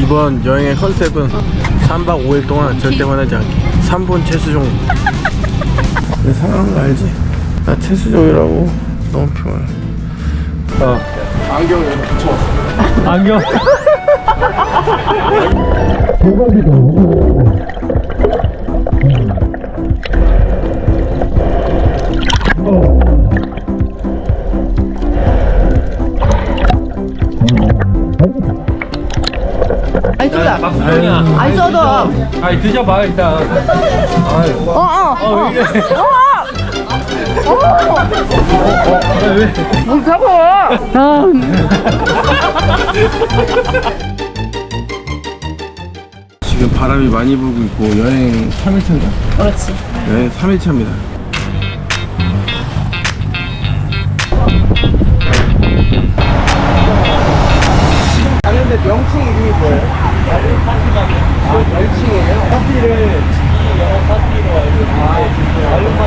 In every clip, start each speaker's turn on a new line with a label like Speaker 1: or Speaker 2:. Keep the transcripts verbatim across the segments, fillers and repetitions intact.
Speaker 1: 이번 여행의 컨셉은 삼박 오일 동안 절대 화내지 않기. 삼본 최수종. 내 사랑하는 거 알지? 나 최수종이라고. 너무 피곤해. 어. 안경 여기 붙여왔어.
Speaker 2: 안경.
Speaker 1: 대박이다.
Speaker 3: 아니 쏘다.
Speaker 2: 박수정이야.
Speaker 3: 아니 쏘다.
Speaker 2: 아니 드셔봐 일단. 아유.
Speaker 3: 어어.
Speaker 2: 어, 왜 이래?
Speaker 3: 뭘 잡아.
Speaker 1: 지금 바람이 많이 불고 있고 여행 삼 일차인가?
Speaker 3: 그렇지.
Speaker 1: 여행 삼 일차입니다. 가는데 명칭 이름이 뭐예요? 아, 명칭이에요? 커피를 파티로 알고 말룸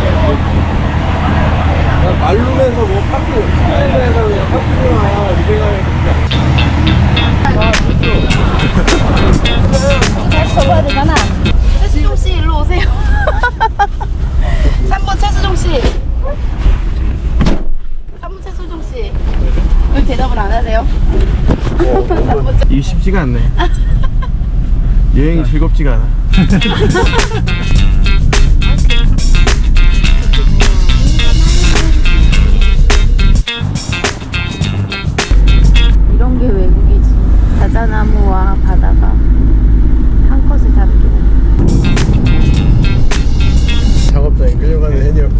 Speaker 1: 파티 말룸에서 뭐 파티 스페인에서 그냥 파티구나 이생각을
Speaker 3: 다시 접어야 되잖아. 최수종 씨 일로 오세요. 삼 번 최수종 씨. 삼 번 최수종 씨. 왜 대답을 안 하세요?
Speaker 1: 이게 쉽지가 않네. 여행이 즐겁지가 않아.
Speaker 3: 이런 게 외국이지. 자자나무와 바다가 한 컷을 담기는.
Speaker 1: 작업장에 끌려가는 해녀.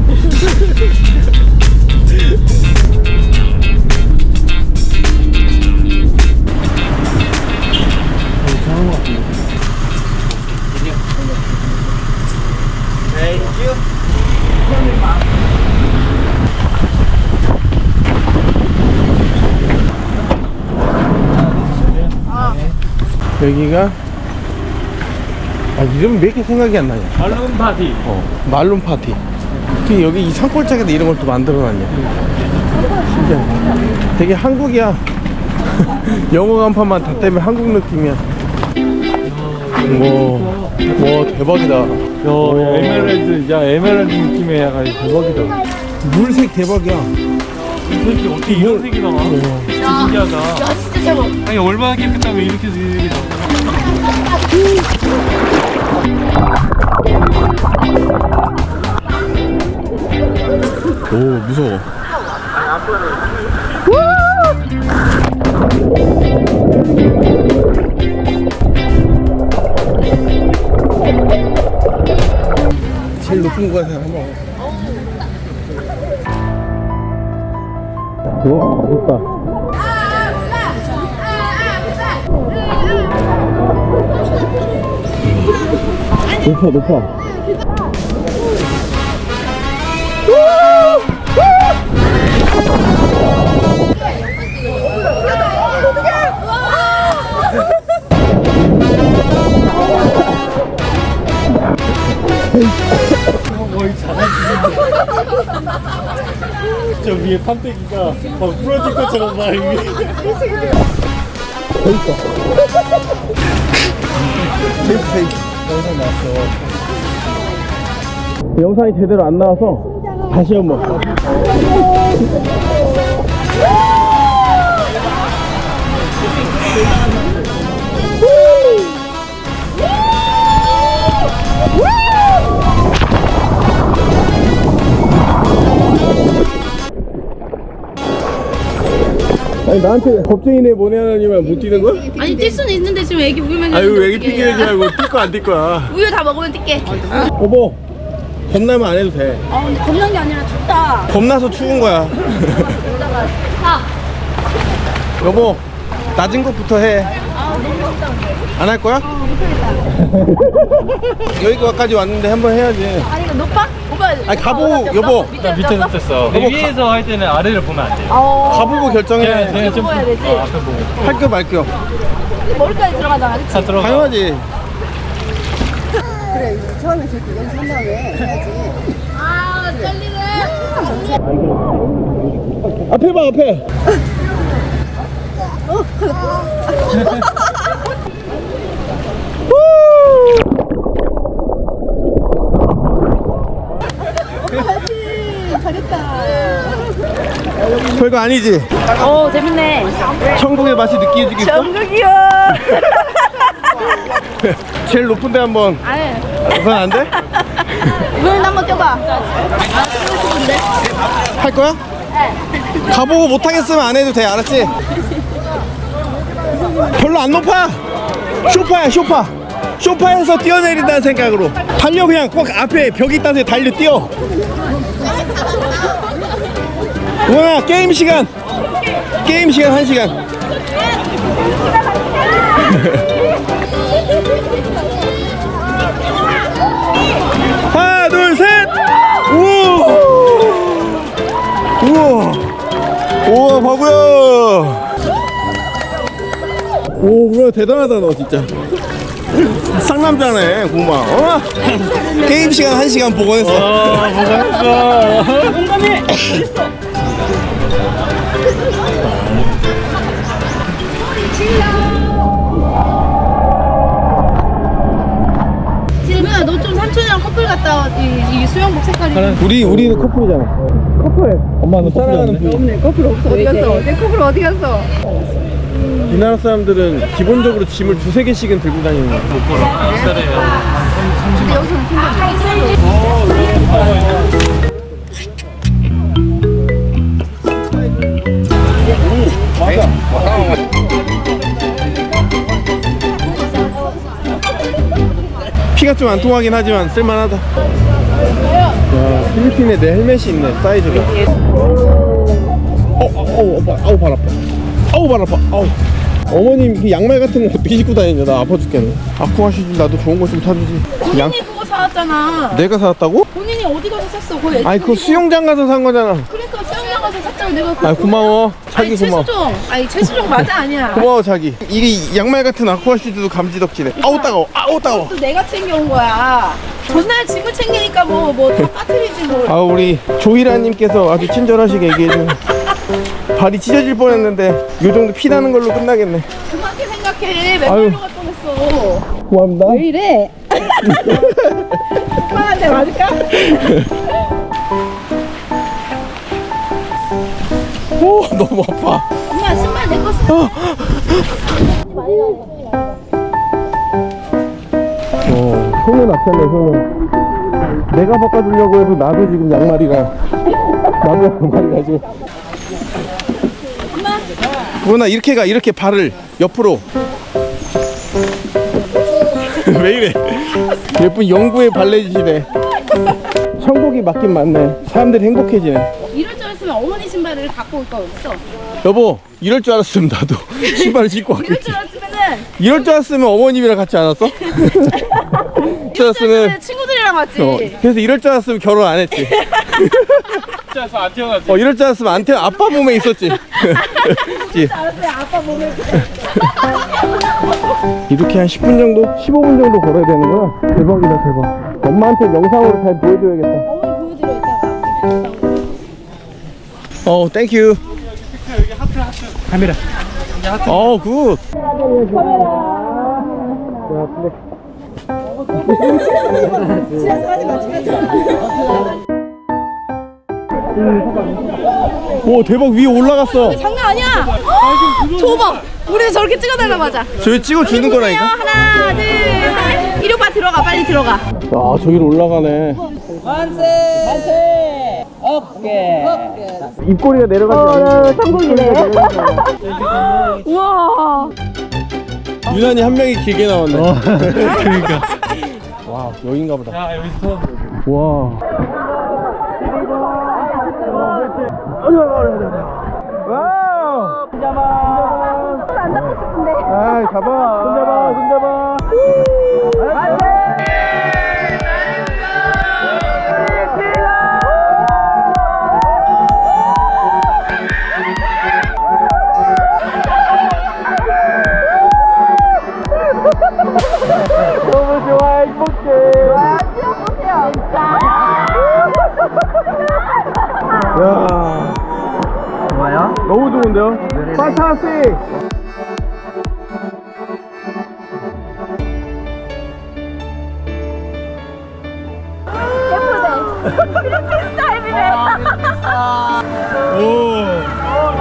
Speaker 1: 여기가 아 이름 왜 이렇게 생각이 안 나냐?
Speaker 2: 말룸 파티.
Speaker 1: 어 말룸 파티. 어떻게 여기 이 산골짜기에다 이런 걸 또 만들어놨냐? 신기하네. 되게 한국이야. 영어 간판만 다 떼면 한국 느낌이야. 와, 와 대박이다.
Speaker 2: 야 에메랄드, 야 에메랄드 느낌의 약간 대박이다.
Speaker 1: 물색 대박이야.
Speaker 2: 도대체 어떻게 이런 색이 나와? 진짜 신기하다.
Speaker 3: 야 진짜 최고.
Speaker 2: 아니 얼마나 깨끗하면 이렇게 색이 나와?
Speaker 1: 오 무서워. 제일 높은 곳에서 한번. 우와 좋다. 높아 높아.
Speaker 2: 거의 작아지는데. 저 위에 판때기가 막 부러질 것처럼 막 이게.
Speaker 1: 그러니까. 세이프 세이프. 영상 나왔어. 영상이 제대로 안 나와서 다시 한번. 아니 나한테 겁쟁이네 뭐냐니만 못 뛰는 거야?
Speaker 3: 아니 뛸 수는 있는데 지금 애기 우유만.
Speaker 1: 아유 애기 핑계대지 말고 뛸 거 안 뛸 거야.
Speaker 3: 우유 다 먹으면 뛸게.
Speaker 1: 여보 겁나면 안 해도 돼.
Speaker 3: 아 근데 겁난 게 아니라 춥다.
Speaker 1: 겁나서 추운 거야.
Speaker 3: 아.
Speaker 1: 여보 낮은 것부터 해. 안 할 거야? 여기까지 왔는데 한번 해야지.
Speaker 3: 아니 이거 높아? 오빠.
Speaker 1: 아니 가보고 여보
Speaker 2: 나 밑에서 뗐어.
Speaker 1: 여보,
Speaker 2: 위에서 할 때는 아래를 보면 안 돼.
Speaker 3: 어.
Speaker 1: 가보고 결정해.
Speaker 2: 그냥 좀
Speaker 3: 먹어야 되지.
Speaker 2: 어, 앞에 보고.
Speaker 1: 할겨 말겨.
Speaker 3: 머리까지 들어가잖아, 그치?
Speaker 2: 다 들어가.
Speaker 1: 당연하지.
Speaker 4: 그래 처음에 저렇게 연습한 다음에 해야지.
Speaker 3: 아, 떨리네.
Speaker 1: 앞에 봐 앞에. 이거 아니지?
Speaker 3: 오 재밌네.
Speaker 1: 천국의 맛이 느껴지겠어?
Speaker 3: 정국이요.
Speaker 1: 제일 높은 데 한번.
Speaker 3: 아니
Speaker 1: 그건 안 돼?
Speaker 3: 이번엔 한번 껴봐.
Speaker 1: 할 거야? 네. 가보고 못하겠으면 안 해도 돼, 알았지? 별로 안 높아. 쇼파야, 쇼파. 쇼파에서 뛰어내린다는 생각으로 달려. 그냥 꼭 앞에 벽이 있다는 달려 뛰어. 우와, 게임 시간. 게임 시간 한 시간. 하나 둘 셋. 우와 우와 우와 바보야. 오 그래 대단하다 너 진짜. 상남자네 고마. 어? 게임 시간 한 시간 복원했어.
Speaker 2: 아 뭐가
Speaker 3: 공감해. 지금은 너 좀 삼촌이랑 커플 갔다 와. 이, 이 수영복 색깔이.
Speaker 1: 우리 우리는 커플이잖아. 커플.
Speaker 2: 엄마는
Speaker 1: 사랑하는 부부.
Speaker 4: 없네. 커플 없어. 어디 갔어? 내 커플 어디 갔어?
Speaker 1: 이 나라 사람들은 기본적으로 짐을 두세 개씩은 들고 다니는 거야.
Speaker 4: 근데 여기서는 큰
Speaker 1: 피가 좀 안 통하긴 하지만 쓸만하다. 야, 필리핀에 내 헬멧이 있네. 사이즈가. 어, 어, 어, 어, 아우 발 아파. 아우 발 아파. 아우. 어머님 그 양말 같은 거 어떻게 신고 다니냐. 나 아파 죽겠네. 아쿠아 슈즈 나도 좋은 거 좀 사주지. 양.
Speaker 3: 본인이 그거 사왔잖아.
Speaker 1: 내가 사왔다고?
Speaker 3: 본인이 어디 가서 샀어? 거기
Speaker 1: 아니 그거 수영장 가서 산 거잖아.
Speaker 3: 그러니까 수영장 가서 샀잖아. 내가 그
Speaker 1: 아 고마워. 자기
Speaker 3: 아니
Speaker 1: 고마워.
Speaker 3: 최수종. 아니 최수종 맞아 아니야.
Speaker 1: 고마워 자기. 이게 양말 같은 아쿠아 슈즈도 감지덕지네. 아우 따가워. 아우 따가워.
Speaker 3: 또 내가 챙겨온 거야. 전날 짐을 챙기니까 뭐 뭐 다 빠뜨리지 뭐.
Speaker 1: 아 우리 조이라님께서 아주 친절하시게 얘기해줘. 발이 찢어질 뻔했는데 요 정도 피 나는 걸로 끝나겠네.
Speaker 3: 그만게 생각해.
Speaker 1: 아유.
Speaker 3: 맨발로 갈 뻔했어.
Speaker 1: 고맙다.
Speaker 3: 왜 이래? 엄마한테 맞을까?
Speaker 1: 오 너무 아파.
Speaker 3: 엄마 신발 내 거 써.
Speaker 1: 어 손은 아팠네 손은. 내가 바꿔주려고 해도 나도 지금 양말이랑 나도 양말이라 지금.
Speaker 3: 엄마.
Speaker 1: 구원아 이렇게 가. 이렇게 발을 옆으로. 왜 이래? 예쁜 영구의 발레짓이네. 천국이 맞긴 맞네. 사람들이 행복해지네.
Speaker 3: 이럴 줄 알았으면 어머니 신발을 갖고 올 거 없어.
Speaker 1: 여보 이럴 줄 알았으면 나도 신발을 신고
Speaker 3: 이럴
Speaker 1: 왔겠지.
Speaker 3: 줄 알았으면은
Speaker 1: 이럴 줄 알았으면 어머님이랑 같이 안 왔어? 이럴 줄
Speaker 3: 이럴 줄
Speaker 1: 알았으면
Speaker 3: 알았으면 친구들이랑 왔지.
Speaker 1: 어, 그래서 이럴 줄 알았으면 결혼 안 했지.
Speaker 2: 진짜 안 태어났지.
Speaker 1: 어 이럴 줄 알았으면 안태 아빠 몸에 있었지. 있지.
Speaker 3: 알았어요. 아빠 몸에.
Speaker 1: 이렇게 한 십 분 정도? 십오 분 정도 걸어야 되는구나. 대박이다 대박. 엄마한테 영상으로 잘 보여줘야겠다.
Speaker 3: 어머니 보여드려 이따가.
Speaker 1: 어 땡큐.
Speaker 2: 카메라.
Speaker 1: 어 굿. 오 대박 위에 올라갔어.
Speaker 3: 장난 아니야. 줘봐. 우리 저렇게 찍어달라고 하자.
Speaker 1: 저기 찍어주는 거라니까?
Speaker 3: 하나, 둘, 셋. 이리 오빠 들어가. 빨리 들어가.
Speaker 1: 아 저기로 올라가네. 입꼬리가 내려가지 않는.
Speaker 3: 성공이네. 우와.
Speaker 1: 유난히 한 명이 길게 나왔네.
Speaker 2: 그러니까.
Speaker 1: 와 여긴가 보다.
Speaker 2: 야 여기서 처음.
Speaker 1: 와. 와우.
Speaker 3: 안 잡고 싶은데.
Speaker 1: 아 잡아. 손 잡아. 손 잡아. 너무 좋아 행복해.
Speaker 3: 와, 찍어보세요.
Speaker 1: 야.
Speaker 2: 좋아요?
Speaker 1: 너무 좋은데요? 판타스틱!
Speaker 3: 예쁘네. 필리핀 스타일이네.
Speaker 1: 오!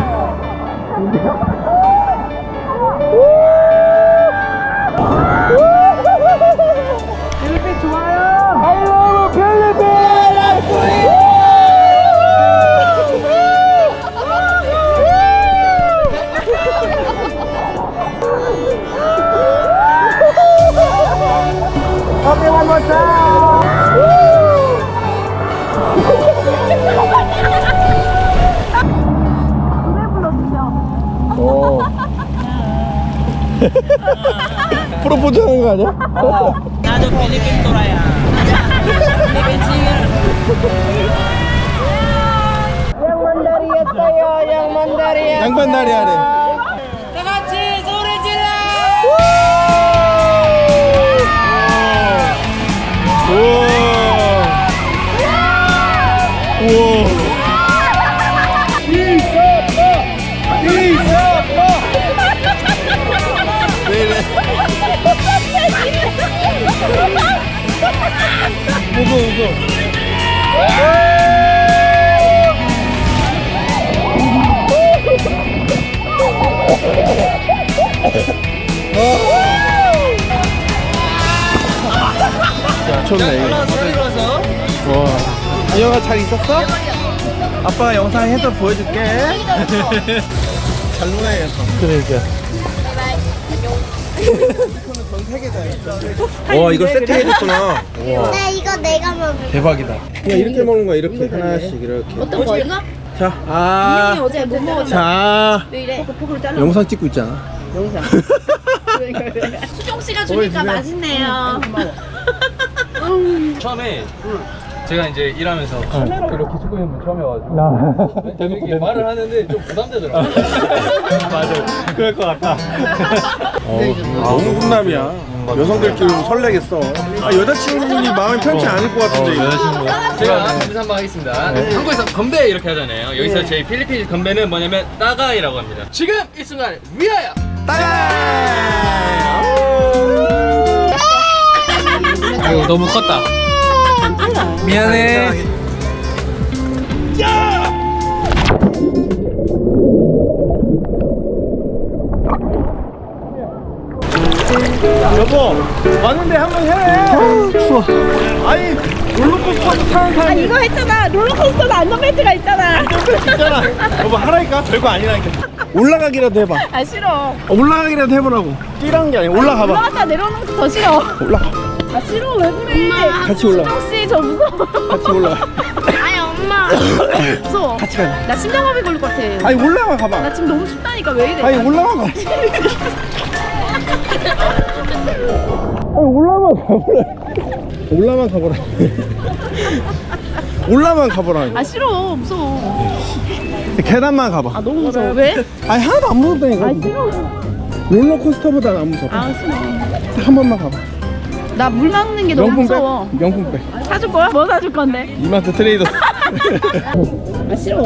Speaker 1: 프로포즈 하는 거 아니야?
Speaker 5: 나도 필리핀 돌아야. 필리핀
Speaker 2: 양만다리였어요. 양만다리.
Speaker 1: 양반다리 하래.
Speaker 5: 다 같이 소리 질러.
Speaker 1: 우와. 우와. 네네. 웃어 웃어. 좋네 이거. 와. 이영아 잘 있었어? 아빠가 영상 해서 보여줄게. 잘 놀아야겠어. 그러니까. 와 이거 세팅해줬구나. 와
Speaker 6: 나 이거 내가 먹을.
Speaker 1: 대박이다. 그냥 이렇게 먹는 거야 이렇게 하나씩 이렇게.
Speaker 3: 어떤 거 이거?
Speaker 1: 자, 아,
Speaker 3: 어제 못 먹었어.
Speaker 1: 자,
Speaker 3: 왜 이래?
Speaker 1: 영상 찍고 있잖아.
Speaker 3: 수종 씨가 주니까 맛있네요.
Speaker 2: 처음에 제가 이제 일하면서 이렇게 찍고 있는 분 처음 해가지고 이렇게 말을 하는데 좀 부담되더라고요. 맞아, 그럴 것 같다.
Speaker 1: 어, 너무 훈남이야. 여성들끼리 설레겠어. 아, 여자친구분이 마음이 편치 않을 것 같은데. 이거.
Speaker 2: 제가 건배 한번 하겠습니다. 한국에서 건배 이렇게 하잖아요. 여기서 제 필리핀 건배는 뭐냐면 따가이라고 합니다. 지금 이 순간 위하여!
Speaker 1: 따가!
Speaker 2: 아이고 너무 컸다. 미안해.
Speaker 1: 여보, 왔는데 한번 해. 추워. 아니, 롤러코스터 타는 사람이.
Speaker 3: 아 이거 했잖아. 롤러코스터도 안전벨트가 있잖아.
Speaker 1: 있잖아. 여보, 하라니까? 별거 아니라니까. 올라가기라도 해봐.
Speaker 3: 아 싫어.
Speaker 1: 어, 올라가기라도 해보라고. 뛰라는 게 아니야. 올라가봐.
Speaker 3: 올라갔다 내려오는 것도 더 싫어.
Speaker 1: 올라가.
Speaker 3: 아 싫어 왜 그래?
Speaker 1: 같이 올라가.
Speaker 3: 수종 씨저 무서워.
Speaker 1: 같이 올라가.
Speaker 3: 아니 엄마 무서워.
Speaker 1: 같이 가자.
Speaker 3: 나 심장마비 걸릴 것 같아.
Speaker 1: 아니, 올라가 가봐.
Speaker 3: 나 지금 너무 춥다니까 왜 이래?
Speaker 1: 아니, 올라가 봐. 아니, 올라만 가보라. 올라만 가보라. 올라만 가보라.
Speaker 3: 아 싫어 무서워.
Speaker 1: 계단만 가봐.
Speaker 3: 아 너무 무서워. 왜?
Speaker 1: 아니, 하나도 안 무섭다니까.
Speaker 3: 아 싫어.
Speaker 1: 롤러코스터보다 안 무서워.
Speaker 3: 아 싫어.
Speaker 1: 한 번만 가봐.
Speaker 3: 나 물 막는 게 너무
Speaker 1: 명품
Speaker 3: 무서워.
Speaker 1: 빼. 명품 빼.
Speaker 3: 사줄 거야? 뭐 사줄 건데?
Speaker 1: 이마트 트레이더.
Speaker 3: 아 싫어.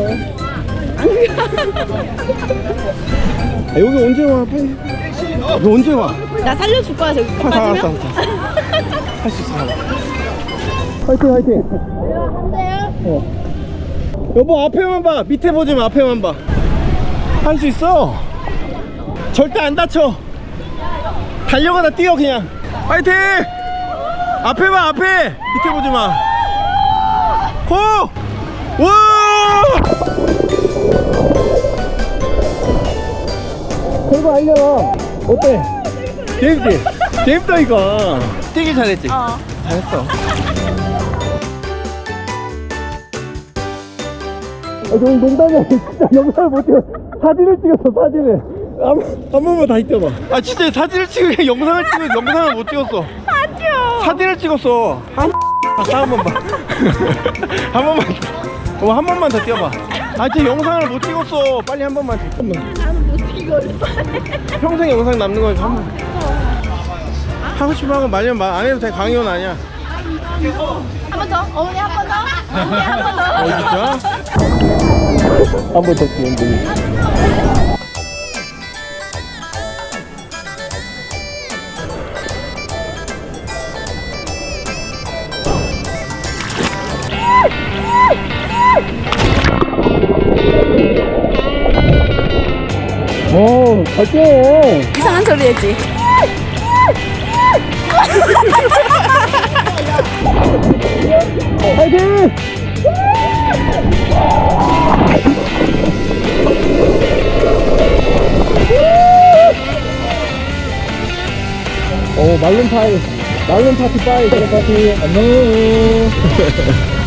Speaker 1: 아, 여기 언제 와? 빨리. 여기 언제 와?
Speaker 3: 나 살려줄 거야 저기
Speaker 1: 다 왔어,
Speaker 3: 빠지면.
Speaker 1: 할 수 있어. 화이팅, 화이팅. 어. 여보, 앞에만 봐. 밑에 보지 마. 앞에만 봐. 할 수 있어. 절대 안 다쳐. 달려가다 뛰어 그냥. 화이팅! 앞에 봐, 앞에. 밑에 보지 마. 고! 와! 별거 아니잖아. 어때? 재밌지? 재밌다 이거. 뛰기 잘했지?
Speaker 3: 어.
Speaker 1: 잘했어. 아, 너무 농담이야. 진짜 영상을 못 찍어. 사진을 찍었어, 사진을. 한, 한 번만 다시 뛰어봐. 아, 진짜 사진을 찍으니까 영상을 찍어. 영상을 못 찍었어.
Speaker 3: 안 뛰어.
Speaker 1: 사진을 찍었어. 한, 한 번만. 한 번만. 어, 한 번만 더 뛰어봐. 아, 진짜 영상을 못 찍었어. 빨리 한 번만. 한 번만.
Speaker 3: 나는 못 찍어.
Speaker 1: 평생 영상 남는 거니까 한 번. 하고 싶은 거 말면 말 안 해도 돼. 강요는 아니야.
Speaker 3: 한 번 더. 어머니 한 번 더. 어머니 한 번 더.
Speaker 1: 어, 진짜? 한 번 더 뛰어. 오, 갈게.
Speaker 3: 이상한 소리 했지.
Speaker 1: 화이팅! 오, 말론 파이. 말론 파티 파이. 말론 파티. 안녕.